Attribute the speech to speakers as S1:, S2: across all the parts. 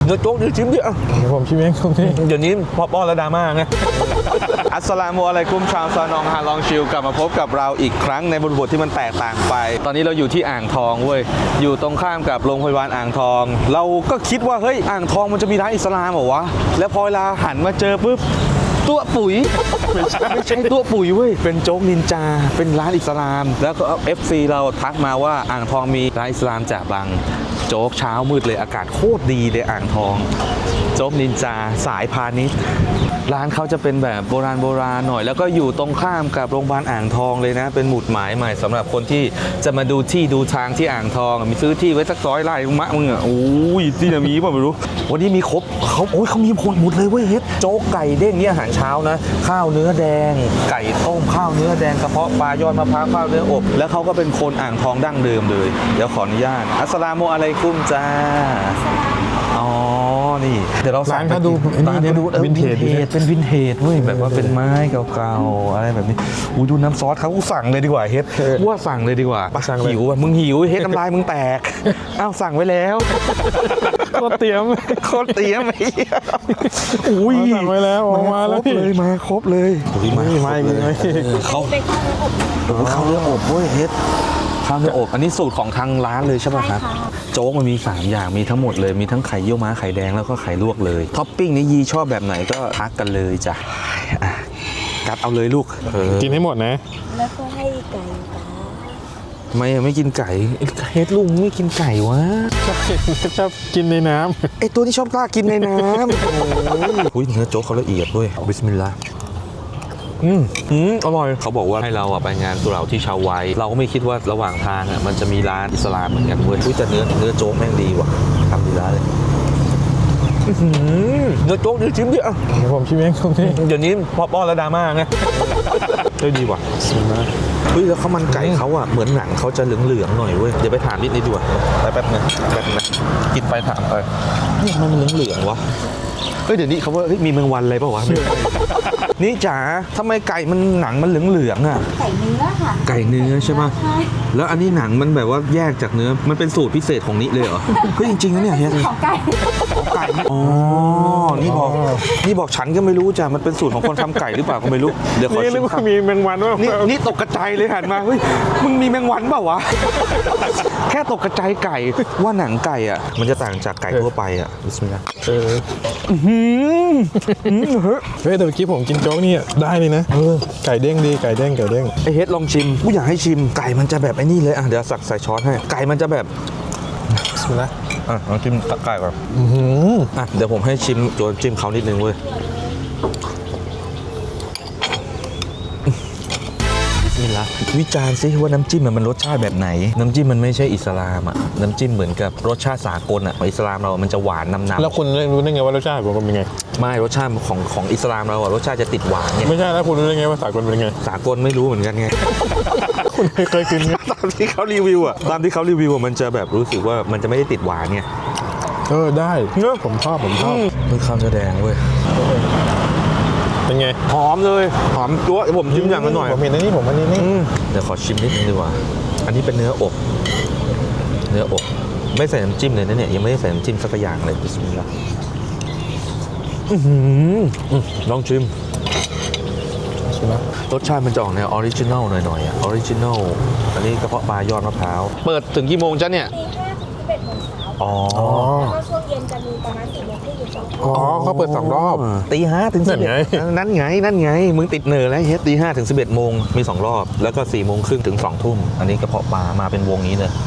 S1: นื้อโจ๊กนี่ชิมดิอ่ะ
S2: ผมชิมเองตรงนี้
S1: เดี๋ยวนี้พอป้อนแล้วดราม่าไง อัสสลามุอะลัยกุมชาวซานองฮาลองชิลกลับมาพบกับเราอีกครั้งในบทที่มันแตกต่างไป ตอนนี้เราอยู่ที่อ่างทองเว้ยอยู่ตรงข้ามกับโรงพยาบาลอ่างทอง เราก็คิดว่าเฮ้ยอ่างทองมันจะมีร้านอิสลามเหรอวะแล้วพอเวลาหันมาเจอปุ๊บตัวปุ๋ยไม่ใช่ตัวปุ๋ยเว้ยเป็นโจ๊กนินจาเป็นร้านอิสลามแล้วก็ FC เราทักมาว่าอ่างทองมีร้านอิสลามจ่าบังโจ๊กเช้ามืดเลยอากาศโคตรดีเลยอ่างทองโจ๊กนินจาสายพาณิชย์ร้านเขาจะเป็นแบบโบราณหน่อยแล้วก็อยู่ตรงข้ามกับโรงพยาบาลอ่างทองเลยนะเป็นหมุดหมายใหม่สำหรับคนที่จะมาดูที่ดูทางที่อ่างทองมีซื้อที่ไว้สัก100 ไร่มะมึงอ่ะโอ้ยที่ไหนมีป่ะไม่รู้วันนี้มีครบเขามีหมดเลยเว้ยเฮ็ดโจ๊กไก่เด้งนี่อาหารเช้านะข้าวเนื้อแดงไก่ต้มข้าวเนื้อแดงกระเพาะปลายอดมะพร้าวข้าวเนื้ออบแล้วเขาก็เป็นคนอ่างทองดั้งเดิมเลยเดี๋ยวขออนุญาตอัสสลามุอะลัยกุมจ้าอ๋อนี่เดี๋ยวเราสั่ง
S2: ร้านเขาดูนี่ดูวินเทจ
S1: เป็นวินเทจเว้ยแบบว่าเป็นไม้เก่าๆอะไรแบบนี้อุ้ยดูน้ำซอสเขาสั่งเลยดีกว่าเฮ็ดว่าสั่งเลยดีกว่าหิวอ่ะมึงหิวเฮ็ดน้ำลายมึงแตกอ้าวสั่งไว้แล้ว
S2: ก็เตรียม
S1: โคตรเตรียมไอ้อุ้ย
S2: สั่งไว้แล้วมาแล้วพี่
S1: มาครบเลยมาอีกเลยเขา
S3: เป็นข้าวเนื้ออบ
S1: ข้าวเนื้ออบเว้ยเฮ็ดข้าวเนื้ออบอันนี้สูตรของทางร้านเลยใช่ไหมครับโจ๊กมันมี3อย่างมีทั้งหมดเลยมีทั้งไข่เยี่ยวม้าไข่แดงแล้วก็ไข่ลวกเลยท็อปปิ้งนี้ยีชอบแบบไหนก็ทักกันเลยจ้ะกัดเอาเลยลูก
S2: กินให้หมดนะ
S3: แล้วก็ให้ไก่ปลา
S1: ไม่กินไก่เฮ็ดลุงไม่กินไก่วะ
S2: ชอบกินในน้
S1: ไอตัวที่ชอบกล้ากินในน้ำโอ้ยเนื้อโจ๊กเขาละเอียดด้วยบิสมิลลาห์อร่อยเขาบอกว่าให้เราไปงานสุเหร่าที่ชาวไวเราก็ไม่คิดว่าระหว่างทางมันจะมีร้านอิสลามเหมือนกันเว้ยแต่เนื้อโจ๊กแม่งดีว่ะทำดีร้านเลยเนื้อโจ๊กนี่ชิมดิอ่ะ
S2: ำผมชิมเองตรงนี้
S1: เดี๋ยวนี้พอป้อนแล้วดราม่าไงดีว่ะเฮ้ยแล้วข้าวมันไก่เขาเหมือนหนังเขาจะเหลืองๆหน่อยเว้ยเดี๋ยวไปถามนิดดีกว่าไปแป๊บนึงกินไปถามไปนี่มันเหลืองๆวะเดี๋ยวนี้เขาว่ามีแมงวันอะไรเปล่าวะนี่จ๋าทำไมไก่มันหนังมันเหลืองๆอ่ะ
S3: ไก่เนื้อค่ะ
S1: ไก่เนื้อใช่ป่ะแล้วอันนี้หนังมันแบบว่าแยกจากเนื้อมันเป็นสูตรพิเศษของนี้เลยเหรอเฮ้ยจริงๆนะเนี่ยเฮีย
S3: ของไก่
S1: ไก่อ๋อนี่บอกฉันก็ไม่รู้จ้ะมันเป็นสูตรของคนทำไก่หรือเปล่าก็ไม่รู้เดี๋ยวขอ
S2: นี่
S1: ชิ
S2: นึก
S1: ม
S2: ว่ามีแมงวันว่า
S1: นี่ตกกระจายเลยหันมาเฮ้ยมึงมีแมงวันเปล่าวะแค่ตกกระจายไก่ว่าหนังไก่อ่ะมันจะต่างจากไก่ทั่วไปอ่ะบิสมิลลาห์
S2: เฮ้ยแต่เมื่อกี้ผมกินโจ๊กนี่ได้เลยนะไก่เด้งดีไก่เด้ง
S1: ไอเฮ็ดลองชิมกูอยากให้ชิมไก่มันจะแบบไอ้นี่เลยอ่ะเดี๋ยวสักใส่ช้อนให้ไก่มันจะแบบ
S2: บิสมิลลาห์
S1: ลองชิมตะไก่ก่อนเดี๋ยวผมให้ชิมตัวจิ้มเขานิดนึงเว้ยวิจารณ์ซิว่าน้ำจิ้มมันรสชาติแบบไหนน้ำจิ้มมันไม่ใช่อิสลามอ่ะน้ำจิ้มเหมือนกับรสชาติสากลอ่ะอิสลามเรามันจะหวานนำ
S2: แล้วคุณรู้ได้ไงว่ารสชาติผมเป็นไง
S1: ไม่รสชาติของอิสลามเราอะรสชาติจะติดหวานไง
S2: ไม่ใช่แล้วคุณรู้ได้ไงว่าสากลเป็นไง
S1: สากลไม่รู้เหมือนกันไง
S2: คุณเคยกิน
S1: ตามที่เขารีวิวอ่ะมันจะแบบรู้สึกว่ามันจะไม่ได้ติดหวานไง
S2: ได้เนอะผมชอบ
S1: มันข้าวเนื้อแดงเว้ย
S2: เป็นไง
S1: หอมเลยหอมจั๊วผมชิมอย่างกันหน่อย
S2: ผมเห็นอันนี้
S1: เดี๋ยวขอชิมนิดนึงดีกว่าอันนี้เป็นเนื้ออบไม่ใส่น้ำจิ้มเลยนะเนี่ยยังไม่ได้ใส่น้ำจิ้มสักอย่างเลยบิสมิลลาห์ลองชิมรสชาติมันจะออกแนวออริจินัลหน่อยๆอ่ะออริจินัลอันนี้กระเพาะปลายอดมะพร้าวเปิดถึงกี่โมงจ๊ะเนี่ย
S3: ตี 5 ถึง 11 โมงเช้าอ๋อแล้วก็ช่วงเย็นจะมีประมาณ4 โมงครึ่งถึง2 ทุ่ม
S2: เขาเปิด2 รอบ
S1: ตี 5 ถึง 11นั่นไงมึงติดเนอแล้วเฮ็ดตี 5 ถึง 11 โมงมี2 รอบแล้วก็4 โมงครึ่งถึง 2 ทุ่มอันนี้กระเพาะปลามาเป็นวงนี้เลย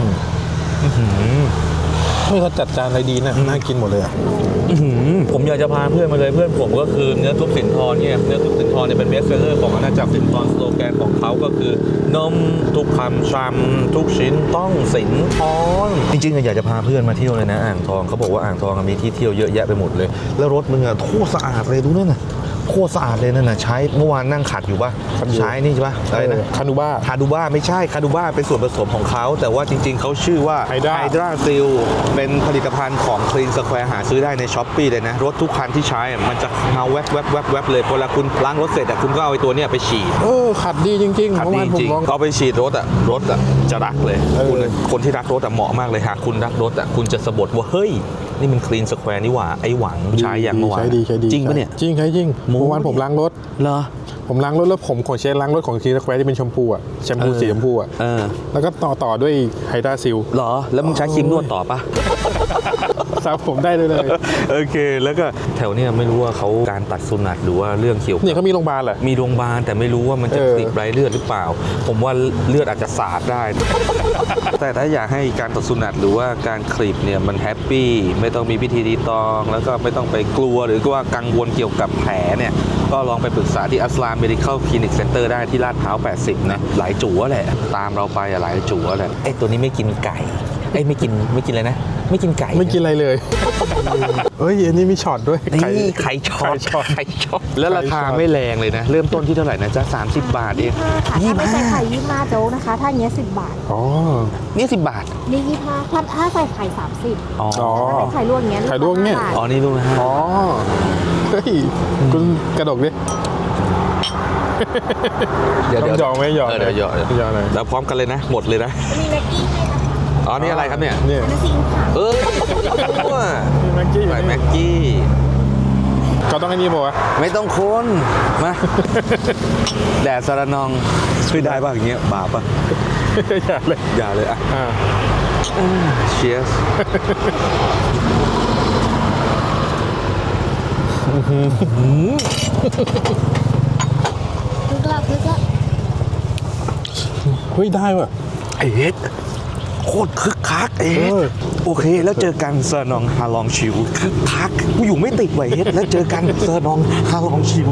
S2: เขาจัดจานอะไรดีนะน่ากินหมดเลยอ่ะ
S1: ผมอยากจะพาเพื่อนมาเลยเพื่อนผมก็คือเนื้อทุบสินทรเนี่ยเนื้อทุบสินทรเนี่ยเป็นเบสเซอร์ของอาณาจักรสินทรสโลแกนของเขาก็คือนมทุกคำชำทุกชิ้นต้องสินทรจริงๆอยากจะพาเพื่อนมาเที่ยวเลยนะอ่างทองเขาบอกว่าอ่างทองมีที่เที่ยวเยอะแยะไปหมดเลยแล้วรถมึงโคตรสะอาดเลยดูนั่นน่ะโคตรสะอาดเลยนั่นน่ะใช้เมื่อวานนั่งขัดอยู่ป่ะใช้นี่ใช่ป่ะอะไรนะ
S2: คาดูบ้า
S1: ไม่ใช่คาดูบ้าเป็นส่วนผสมของเขาแต่ว่าจริงๆเขาชื่อว่าไฮดราซิลเป็นผลิตภัณฑ์ของ Clean Square หาซื้อได้ใน Shopee เลยนะรถทุกคันที่ใช้มันจะเงาแวบเลยเวลาคุณล้างรถเสร็จคุณก็เอาไอ้ตัวเนี้ยไปฉีด
S2: ขัดดีจริงๆ
S1: ขัดดีจริงเอาไปฉีดรถจะรักเลยคนที่รักรถเหมาะมากเลยหากคุณรักรถคุณจะสะบัดว่าเฮ้ยนี่มันคลีนสแควร์นี่หว่าไอ้หวังใช้อย่างเมื่อวาน
S2: ใช้ดี
S1: จริงปะเนี่ย
S2: จริงใช้จริง
S1: โม้
S2: เมื่อวานผมล้างรถ
S1: เหรอ
S2: ผมล้างรถแล้วผมขนเช็ดล้างรถของคีสแควร์ที่เป็นชมพูอ่ะแชมพูสีชมพูอ่ะ
S1: เออ
S2: แล้วก็ต่อด้วยไฮดราซิล
S1: เหรอแล้วมึงใช้ครีมนวดต่อปะ
S2: สระผมได้เลย
S1: โอเค แล้วก็แถวเนี้ยไม่รู้ว่าเขาการตัดสุนัตหรือว่าเรื่องเกี่ยวกับ
S2: เนี่ยเขามีโรงพยาบาลเหรอ
S1: มีโรงพยาบาลแต่ไม่รู้ว่ามันจะ
S2: เออ
S1: ติดไรเลือดหรือเปล่า ผมว่าเลือดอาจจะสาดได้ แต่ถ้าอยากให้การตัดสุนัตหรือว่าการคลิปเนี่ยมันแฮปปี้ไม่ต้องมีพิธีรีตอง แล้วก็ไม่ต้องไปกลัวหรือว่ากังวลเกี่ยวกับแผลเนี่ยก็ลองไปปรึกษาที่อัสลาม Medical Clinic Center ได้ที่ลาดพร้าว 80 นะหลายจั่วแหละตามเราไปอะหลายจั่วแหละไอ้ตัวนี้ไม่กินไก่ไอ้ยไม่กินอะไรนะ ไม่กินไก่
S2: ไม่กินอะไรเลย เอ้ยอันนี้มีช็อตด้วย
S1: นี่ไข่ช็อต
S2: ไข่ช็อต
S1: แล้วราคาไม่แรงเลยนะ เริ่มต้นที่เท่าไหร่นะจ๊ะ30 บาทเอง
S3: 25ค่ะถ้าไม่ใส่ไข่25โจ๊กนะคะ ถ้าอย่างเงี้ย10 บาท
S2: อ๋อ
S1: นี่10 บาท
S3: นี่25ถ้าใส่ไข่30
S1: อ๋อ
S2: อ๋อ
S3: ถ้าเป็นไข่ลวกอย่างเงี้ย
S2: ไข่ลวกเนี่ย
S3: 5บาท
S1: อ๋อนี่รู้นะฮะ
S2: อ๋อ เฮ้ย คุณกระดกดิ ต้องยอมไหมยอม
S1: เดี๋ยวหยอก
S2: ยอมเลย
S1: แล้วพร้อมกันเลยนะ หมดเลยนะ
S3: มีแม็กกี้ให้นะคะ
S1: อ๋อนี่อะไรครับเนี่ย
S2: เนี่ย
S3: อันนั้นซีอิ๊วขาว
S1: เอ้ยว่า
S2: มีแม็กกี้อยู่
S1: ใส่
S2: นี่
S1: แม็กกี้
S2: เขาต้องไอ้นี่บอกว่า
S1: ไม่ต้องคนมา แดดสารนองช่วยได้ป่ะอย่างเงี้ยบาปป่ะ
S2: อย่าเลย
S1: อย่าเลยอ่ะ
S2: อ่า
S1: เชียร์
S3: คึกละคึกละ
S2: เฮ้ย ได้ว่ะ
S1: ไอเฮ็ดโคตรคึกคักเอ็ด
S2: เออ
S1: โอเค แล้วเจอกันเซอร์นองฮาลองชิวคึกคักกูอยู่ไม่ติดไว้เฮ็ดแล้วเจอกันเซอร์นองฮาลองชิว